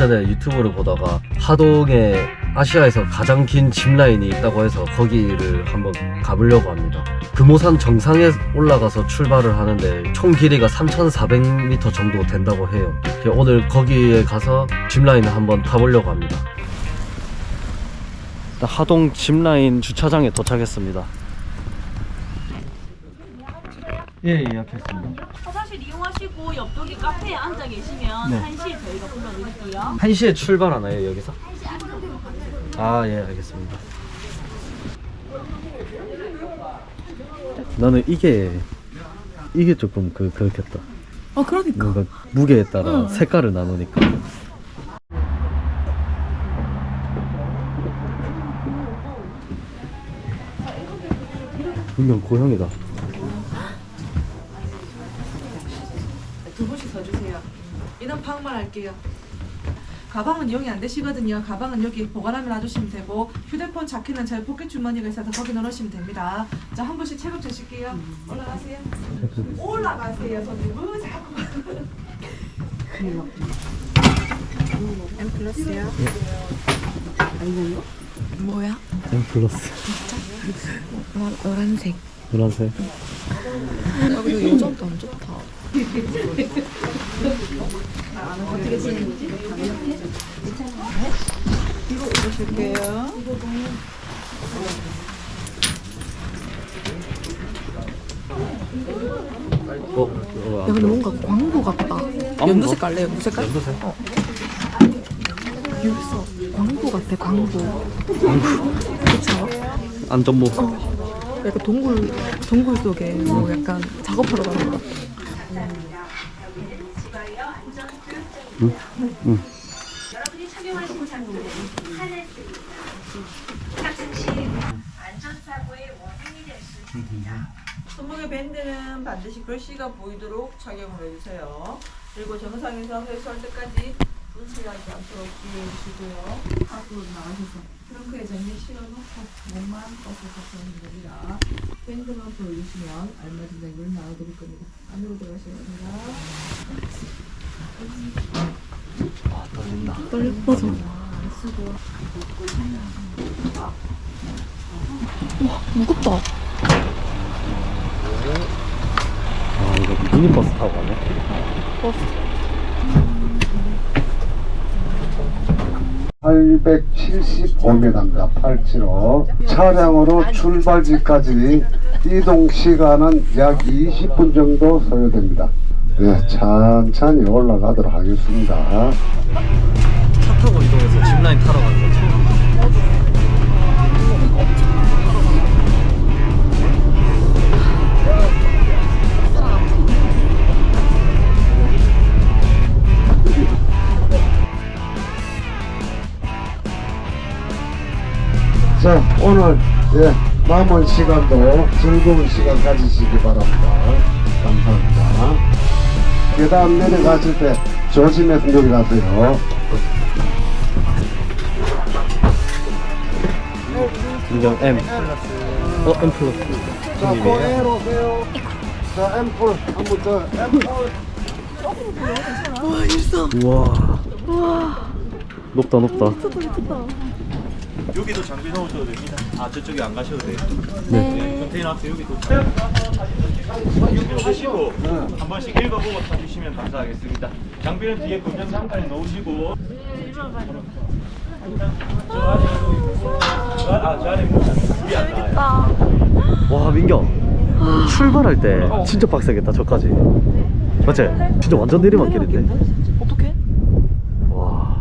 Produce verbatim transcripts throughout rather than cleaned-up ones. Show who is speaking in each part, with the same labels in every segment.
Speaker 1: 전에 유튜브를 보다가 하동에 아시아에서 가장 긴 짚라인이 있다고 해서 거기를 한번 가보려고 합니다. 금오산 정상에 올라가서 출발을 하는데 총 길이가 삼천사백 미터 정도 된다고 해요. 오늘 거기에 가서 짚라인을 한번 타보려고 합니다. 하동 짚라인 주차장에 도착했습니다. 예, 예약했습니다.
Speaker 2: 화장실 이용하시고 옆쪽에 카페에 앉아 계시면
Speaker 1: 네.
Speaker 2: 한 시에 저희가 불러드릴게요.
Speaker 1: 한 시에 출발하나요, 여기서? 아, 예, 알겠습니다. 나는 이게 이게 조금 그 그렇겠다.
Speaker 3: 아 그러니까
Speaker 1: 뭔가 무게에 따라
Speaker 3: 응.
Speaker 1: 색깔을 나누니까. 분명 고형이다.
Speaker 3: 두 분씩 서주세요. 인원 파악만 할게요. 가방은 이용이 안 되시거든요. 가방은 여기 보관함에 놔주시면 되고 휴대폰 자켓은 저희 포켓 주머니가 있어서 거기 넣으시면 됩니다. 자, 한 분씩 체급 재실게요. 올라가세요. 올라가세요. 손님 뭐 자꾸 M 플러스요? 아니요. 뭐야?
Speaker 1: M 플러스.
Speaker 3: 노란색.
Speaker 1: 노란색.
Speaker 3: 아, 근데 요즘도 안 좋다. 어떻게 지내는지? 이거 입으실게요.
Speaker 1: 어, 어,
Speaker 3: 야, 근데 뭔가 광고 같다. 연두색 갈래? 연두색?
Speaker 1: 연두색?
Speaker 3: 어. 여기서 광고 같아, 광고. 그쵸?
Speaker 1: 안전모.
Speaker 3: 어. 약간 동굴, 동굴 속에 뭐 약간 작업하러 가는 거.
Speaker 1: 응? 응.
Speaker 4: 여러분이 착용하신 장비는 하늘 탑승 시 안전사고의 원인이 될 수 있습니다.
Speaker 3: 손목의 밴드는 반드시 글씨가 보이도록 착용을 해주세요. 그리고 정상에서 회수할 때까지 분실하지 않도록 주의해 주시고요. 앞으로 나가셔서 트렁크에 장비 실어놓고 몸만 버스 탑승하시면 됩니다. 밴드만 보여주시면 알맞은 장비를 나눠드릴 겁니다. 안으로 들어가시면 됩니다.
Speaker 1: 아, 떨린다.
Speaker 3: 떨려. 맞아. 쓰고. 와, 무겁다.
Speaker 1: 아, 이거 미니버스 타고 가네.
Speaker 3: 버스.
Speaker 5: 팔백칠십오 미터입니다. 팔백칠십오. 차량으로 출발지까지 이동 시간은 약 이십 분 정도 소요됩니다. 네, 천천히 올라가도록 하겠습니다.
Speaker 1: 차 타고 이동해서 짚라인 타러 가는 거 처음.
Speaker 5: 자, 오늘 예, 남은 시간도 즐거운 시간 가지시기 바랍니다. 감사합니다. 계단 내려가실 때 조심해서 내려가세요.
Speaker 1: 인정 M. 어, M 플러스.
Speaker 5: 자,
Speaker 1: 손님이에요?
Speaker 5: 고एर 오세요. 자, 앰플 한번 더. 앰플.
Speaker 3: 와, 일성.
Speaker 1: 우와.
Speaker 3: 와,
Speaker 1: 높다, 높다.
Speaker 3: 미쳤다, 미쳤다.
Speaker 6: 여기도 장비 넣으셔도 됩니다. 아 저쪽에 안 가셔도 돼요.
Speaker 1: 네.
Speaker 6: 컨테이너 앞에 여기도 하시고 한 번씩 읽어보고 타주시면 감사하겠습니다. 장비는 뒤에 금전 상단에 넣으시고 저 안에 아저 안에 물이 안 나와요.
Speaker 1: 와, 민경. 출발할 때 진짜 빡세겠다, 저까지. 맞지? 진짜 완전 내리막길인데?
Speaker 3: 어떡해?
Speaker 1: 와.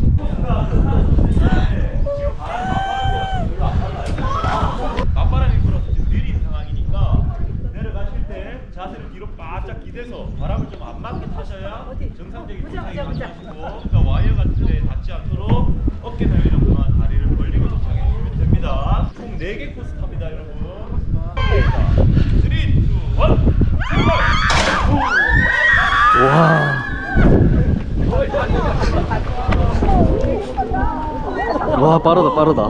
Speaker 6: 맞바람이 불어서 지금 느린 상황이니까 내려가실 때 자세를 뒤로 바짝 기대서 바람을 좀 안 맞게 타셔야 정상적인 도착이 가능하시고 그러니까 와이어 같은 데 닿지 않도록 어깨 넓이는 동안 다리를 벌리고 도착해 주시면 됩니다. 총 네 개 코스 탑니다, 여러분. 삼, 이, 일, 출발!
Speaker 1: 와. 와, 빠르다, 빠르다.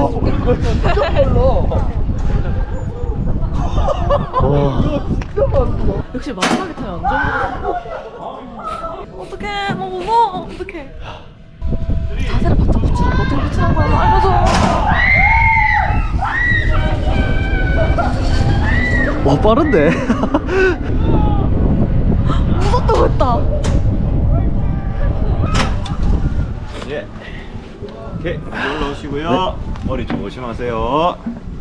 Speaker 1: 와.
Speaker 3: 역시 마지막에 타면 안 좋은 거 어떡해, 너무 무서워. 어떡해.
Speaker 1: 와 빠른데?
Speaker 2: 무섭다고 했다.
Speaker 6: 예. 오케이. 올라오시고요. 머리 조심하세요.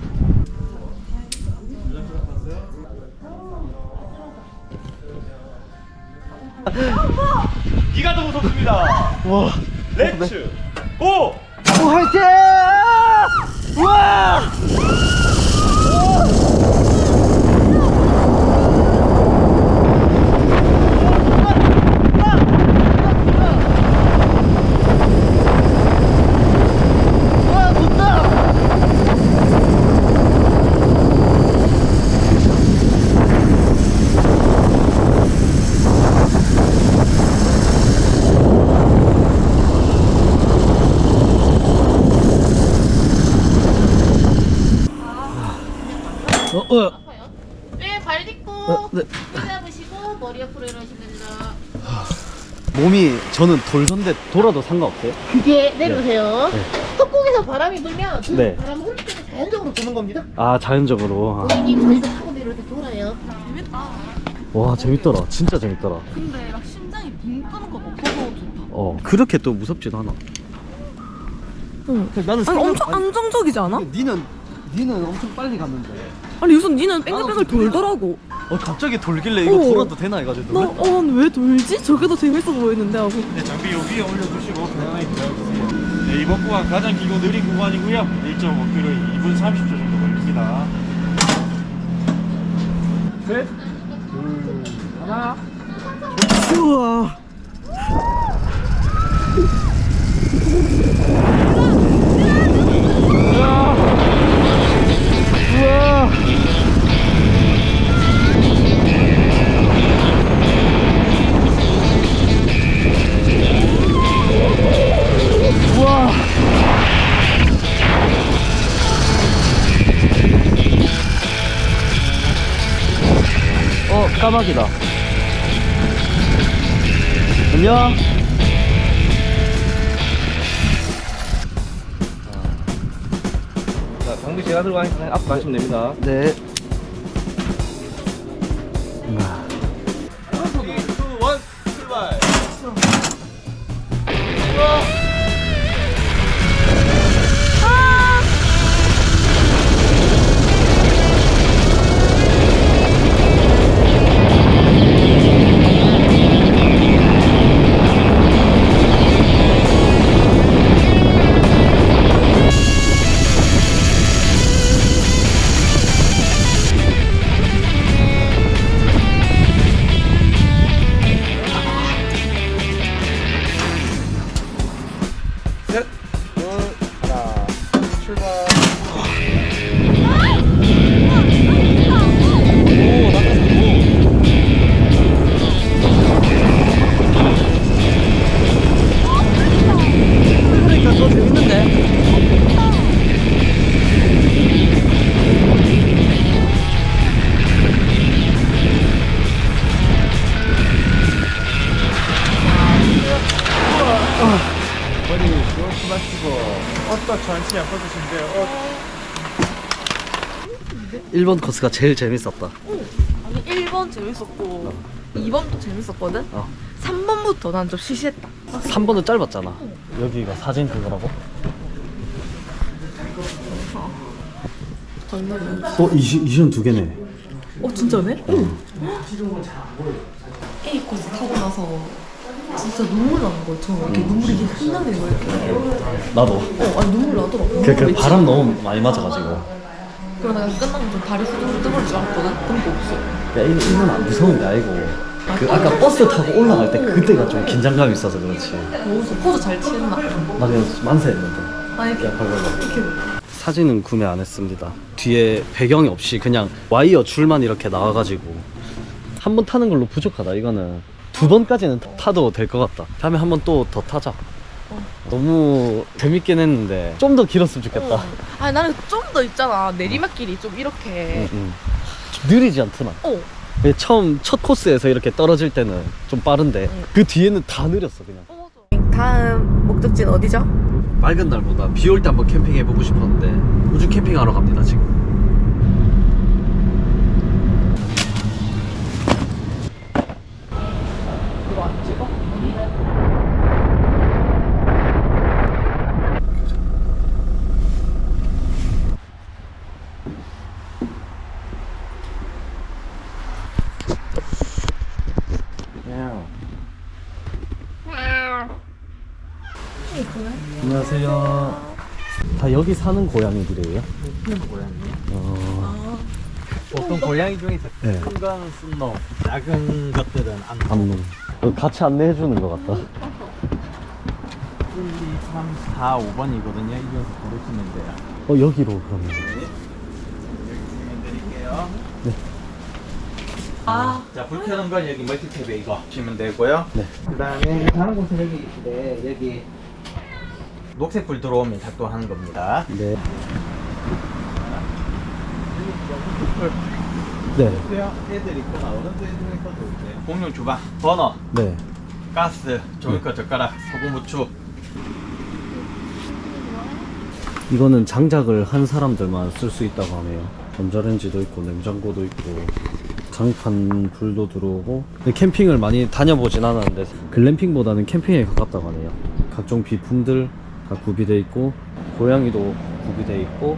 Speaker 6: 이가 더 무섭습니다.
Speaker 1: 와.
Speaker 6: 렛츠 고!
Speaker 1: 오 화이팅! 와! 어, 어.
Speaker 7: 네, 발 딛고
Speaker 1: 어, 네.
Speaker 7: 손 잡으시고 머리 옆으로 이러시면 됩니다.
Speaker 1: 몸이 저는 돌선데 돌아도 상관없어요?
Speaker 7: 그게 내려오세요.
Speaker 1: 네.
Speaker 7: 턱곡에서 바람이 불면 그
Speaker 1: 네.
Speaker 7: 바람 흐를 때는 자연적으로 도는 겁니다.
Speaker 1: 아 자연적으로. 아.
Speaker 7: 고객님 저희가 타고 내려올 때 돌아요.
Speaker 2: 재밌다.
Speaker 1: 와 재밌더라. 진짜 재밌더라.
Speaker 2: 근데 막 심장이 붕 뜨는 건 없어서 좋다.
Speaker 1: 어 그렇게 또 무섭지도 않아.
Speaker 2: 응.
Speaker 1: 나는
Speaker 2: 아니 엄청 안정적이지 않아?
Speaker 1: 니는 니는 엄청 빨리 갔는데.
Speaker 2: 아니 우선 니는 뺑글뺑글 돌더라고.
Speaker 1: 어 갑자기 돌길래 이거
Speaker 2: 어.
Speaker 1: 돌아도 되나 해가지고.
Speaker 2: 나 어 왜 돌지? 저게 더 재밌어 보이는데 하고.
Speaker 6: 네, 장비 요 위에 올려두시고 편안하게 들어가주세요. 네, 이번 구간 가장 길고 느린 구간이고요. 일 점 오 킬로미터 이 분 삼십 초 정도 걸립니다. 셋, 둘, 하나.
Speaker 1: 우와. 우와. 우와. 어, 까마귀다. 안녕.
Speaker 8: 자, 장비 제가 들고 가니까 앞으로 가시면 됩니다.
Speaker 1: 네.
Speaker 6: 삼, 이, 일, 출발.
Speaker 8: 셋, 둘, 하나, 출발. 오, 낙하산.
Speaker 1: 그러니까 더 재밌는데.
Speaker 6: 머리 조심 마시고 어떠 천천히 안 뻗으시는데요. 어.
Speaker 1: 일 번 코스가 제일 재밌었다.
Speaker 2: 아니 일 번 재밌었고 이 번도 재밌었거든?
Speaker 1: 어.
Speaker 2: 삼 번부터 난 좀 시시했다.
Speaker 1: 삼 번은 짧았잖아. 여기가 사진 그거라고? 어, 이시, 이시연 두 개네.
Speaker 2: 어 진짜네? 응. A 코스 타고 나서 진짜 눈물 나는 거야. 저 이렇게 눈물이 이렇게 흘러내는 거야. 이렇게.
Speaker 1: 나도.
Speaker 2: 어, 아니 눈물 나더라고.
Speaker 1: 그, 그 바람 너무 많이 맞아가지고.
Speaker 2: 그러다가 끝나면 좀 다리 후들후들 뜨거울 줄 알았거든? 근데 없어.
Speaker 1: 야, 이거, 이건 안 무서운 게 아니고. 그 아까 버스 타고 올라갈 때 그때가 좀 긴장감이 있어서 그렇지.
Speaker 2: 어디서 포즈 잘 취했나?
Speaker 1: 나 그냥 만세했는데.
Speaker 2: 아니 이렇게
Speaker 1: 야, 벌벌벌.
Speaker 2: 이렇게
Speaker 1: 사진은 구매 안 했습니다. 뒤에 배경이 없이 그냥 와이어 줄만 이렇게 나와가지고 한 번 타는 걸로 부족하다. 이거는 두 번까지는 타도 될 것 같다. 다음에 한 번 또 더 타자. 너무 재밌긴 했는데 좀 더 길었으면 좋겠다.
Speaker 2: 어. 아니 나는 좀 더 있잖아. 내리막길이 좀 이렇게.
Speaker 1: 응, 응. 좀 느리지 않더나.
Speaker 2: 어.
Speaker 1: 왜 처음 첫 코스에서 이렇게 떨어질 때는 좀 빠른데
Speaker 2: 응.
Speaker 1: 그 뒤에는 다 느렸어 그냥.
Speaker 2: 어, 맞아. 다음 목적지는 어디죠?
Speaker 1: 맑은 날보다 비 올 때 한번 캠핑 해보고 싶었는데 우주 캠핑하러 갑니다 지금. 안녕하세요. 다 여기 사는 고양이들이에요?
Speaker 8: 보통 고양이 중에서
Speaker 1: 네.
Speaker 8: 큰 거는 순놈, 작은 것들은 암놈.
Speaker 1: 암농. 어, 같이 안내해 주는 것 같다.
Speaker 8: 일, 이, 삼, 사, 오 번이거든요. 이어서 고르시면 돼요.
Speaker 1: 어, 여기로 그러면.
Speaker 8: 드릴게요.
Speaker 2: 아,
Speaker 8: 자, 불 켜는 건 여기 멀티탭에 이거 보시면 되고요.
Speaker 1: 네.
Speaker 8: 그 다음에 다른 곳은 여기 있는데 여기 녹색 불 들어오면 작동하는 겁니다.
Speaker 1: 네. 네.
Speaker 8: 애들 있거나 어른들 중에서도 이제 공용 주방, 버너,
Speaker 1: 네.
Speaker 8: 가스, 종이컵, 젓가락, 소금, 후추.
Speaker 1: 이거는 장작을 한 사람들만 쓸 수 있다고 하네요. 전자레인지도 있고 냉장고도 있고 장판 불도 들어오고. 근데 캠핑을 많이 다녀보진 않았는데 글램핑보다는 캠핑에 가깝다고 하네요. 각종 비품들 다 구비돼 있고 고양이도 구비돼 있고.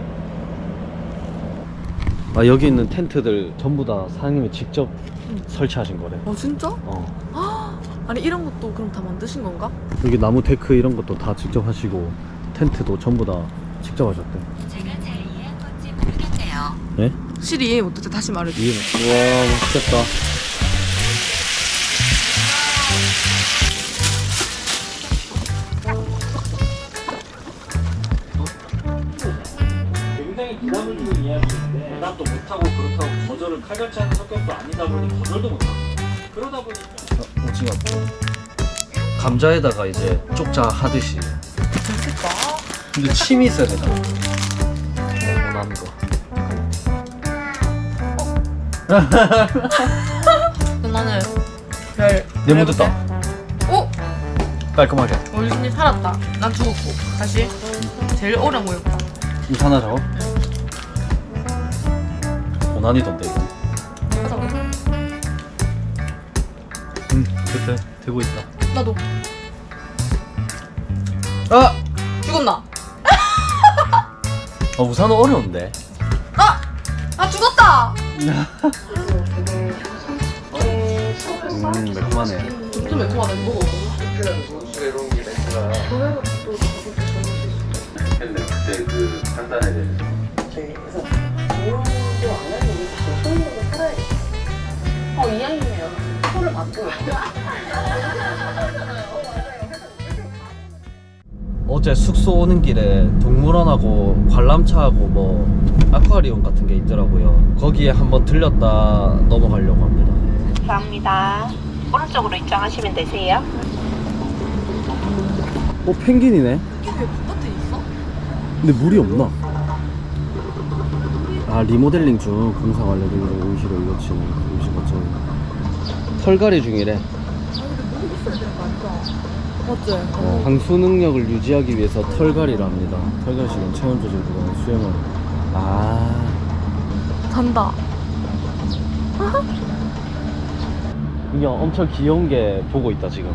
Speaker 1: 아, 여기 있는 텐트들 전부 다 사장님이 직접 설치하신 거래.
Speaker 2: 어 진짜?
Speaker 1: 어.
Speaker 2: 아니 이런 것도 그럼 다 만드신 건가?
Speaker 1: 여기 나무 데크 이런 것도 다 직접 하시고 텐트도 전부 다 직접 하셨대.
Speaker 4: 제가 잘 이해한 건지 모르겠네요.
Speaker 1: 네?
Speaker 2: 실이 이해 못했대. 다시 말해줘.
Speaker 1: 이해. 우와, 맛있겠다.
Speaker 9: 굉장히 부담을 주는 이야기인데 대답도 못하고 그렇다고 거절을 칼같이 하는 성격도 아니다 보니 거절도 못하고 그러다 보니까
Speaker 1: 어, 오징어. 감자에다가 이제 쪽자 하듯이.
Speaker 2: 맛있겠다.
Speaker 1: 근데 침이 있어야 되잖아. 원하는 거.
Speaker 2: 나는 별.
Speaker 1: 내 묻었다.
Speaker 2: 오!
Speaker 1: 깔끔하게.
Speaker 2: 우리 신이 살았다. 난 죽었고. 다시. 제일 오래 모였다.
Speaker 1: 이거 하나 잡아. 고난이던데 이거. 응, 됐대. 되고 있다.
Speaker 2: 나도.
Speaker 1: 아!
Speaker 2: 죽었나?
Speaker 1: 아, 우산은 어려운데.
Speaker 2: 아! 아 죽었다!
Speaker 1: 음, 매콤하네.
Speaker 2: 좀 매콤하다. 이거 먹어.
Speaker 1: 근데 그때 그 판단에 대해서.
Speaker 7: 어, 이왕이네요. 손을 맞고.
Speaker 1: 어제 숙소 오는 길에 동물원하고 관람차하고 뭐 아쿠아리움 같은 게 있더라고요. 거기에 한번 들렸다 넘어가려고 합니다.
Speaker 4: 감사합니다. 오른쪽으로 입장하시면 되세요.
Speaker 1: 어, 펭귄이네.
Speaker 2: 이게 왜 바깥에 있어?
Speaker 1: 근데 물이 없나? 아, 리모델링 중 공사 완료 중이라 임시로 이거치는 임시 거점. 털갈이 중이래.
Speaker 2: 아 근데 물이 있어야 되는 거 아니야? 맞지?
Speaker 1: 어, 방수 능력을 유지하기 위해서 털갈이를 합니다. 털갈 시간 체온 조절 구간 수영을. 아,
Speaker 2: 잔다.
Speaker 1: 이게 엄청 귀여운 게 보고 있다 지금.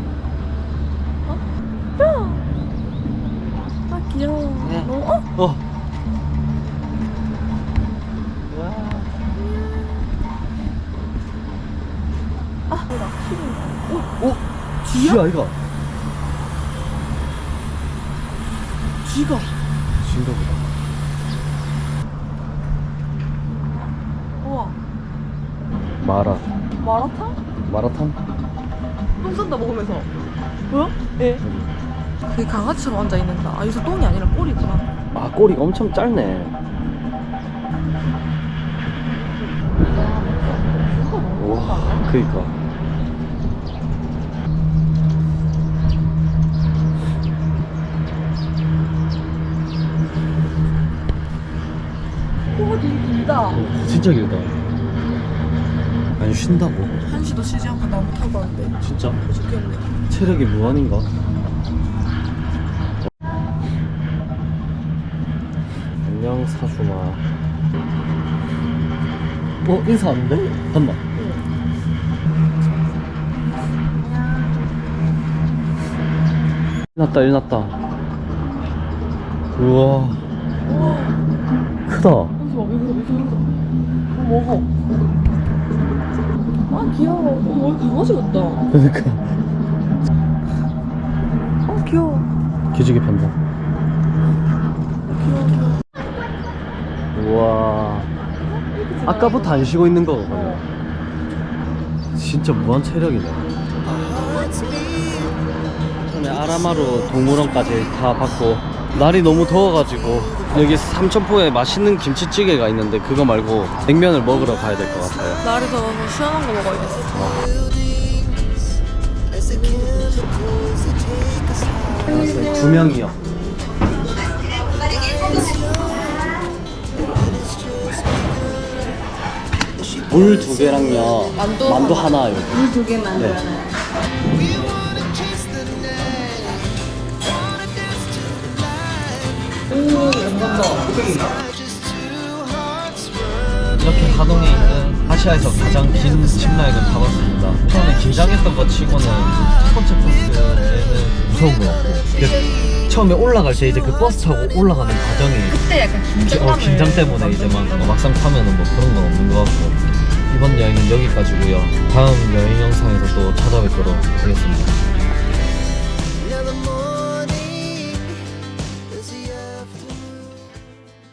Speaker 2: 아 귀여워. 너무 어?
Speaker 1: 어. 오, 오, 쥐야 이거.
Speaker 2: 쥐가.
Speaker 1: 쥐인가 보다.
Speaker 2: 우와.
Speaker 1: 마라.
Speaker 2: 마라탕?
Speaker 1: 마라탕?
Speaker 2: 똥 싼다 먹으면서. 뭐야? 예. 그 강아지처럼 앉아 있는다. 아 여기서 똥이 아니라 꼬리구나.
Speaker 1: 아, 꼬리가 엄청 짧네. 와, 그니까.
Speaker 2: 코가 되게 길다.
Speaker 1: 어, 진짜 길다. 아니, 쉰다고.
Speaker 2: 한시도 쉬지 않고 나무 타고 가는데.
Speaker 1: 진짜?
Speaker 2: 좋겠네.
Speaker 1: 체력이 무한인가? 안녕, 사주마. 어, 인사 안 돼? 간다. 일났다, 일났다. 우와. 크다.
Speaker 2: 여기서 봐, 여기서, 여기서, 여기서. 어, 먹어. 아, 귀여워. 어, 여기 강아지 같다.
Speaker 1: 그러니까.
Speaker 2: 어, 귀여워.
Speaker 1: 기지개 편다. 우와. 아까부터 안 쉬고 있는 거거든요. 진짜 무한 체력이네. 처음에 아라마루 동물원까지 다 받고 날이 너무 더워가지고 여기 삼천포에 맛있는 김치찌개가 있는데 그거 말고 냉면을 먹으러 가야 될 것 같아요.
Speaker 2: 날이 더워서 시원한 거 먹어야겠어.
Speaker 1: 알았어요. 두 명이요. 물 두 개랑요.
Speaker 2: 만두,
Speaker 1: 만두 하나요.
Speaker 2: 물 두 개 만두
Speaker 1: 네.
Speaker 2: 하나.
Speaker 1: 이렇게 하동에 있는 아시아에서 가장 긴 짚라인을 타봤습니다. 처음에 긴장했던 것 치고는 첫 번째 코스에는 무서운 것 같고 그 처음에 올라갈 때 이제 그 버스 타고 올라가는 과정이
Speaker 2: 그때 약간
Speaker 1: 기-
Speaker 2: 긴장감을
Speaker 1: 어, 긴장 때문에 이제 막 어, 막상 타면은 뭐 그런 건 없는 것 같고 이번 여행은 여기까지고요. 다음 여행 영상에서 또 찾아뵙도록 하겠습니다.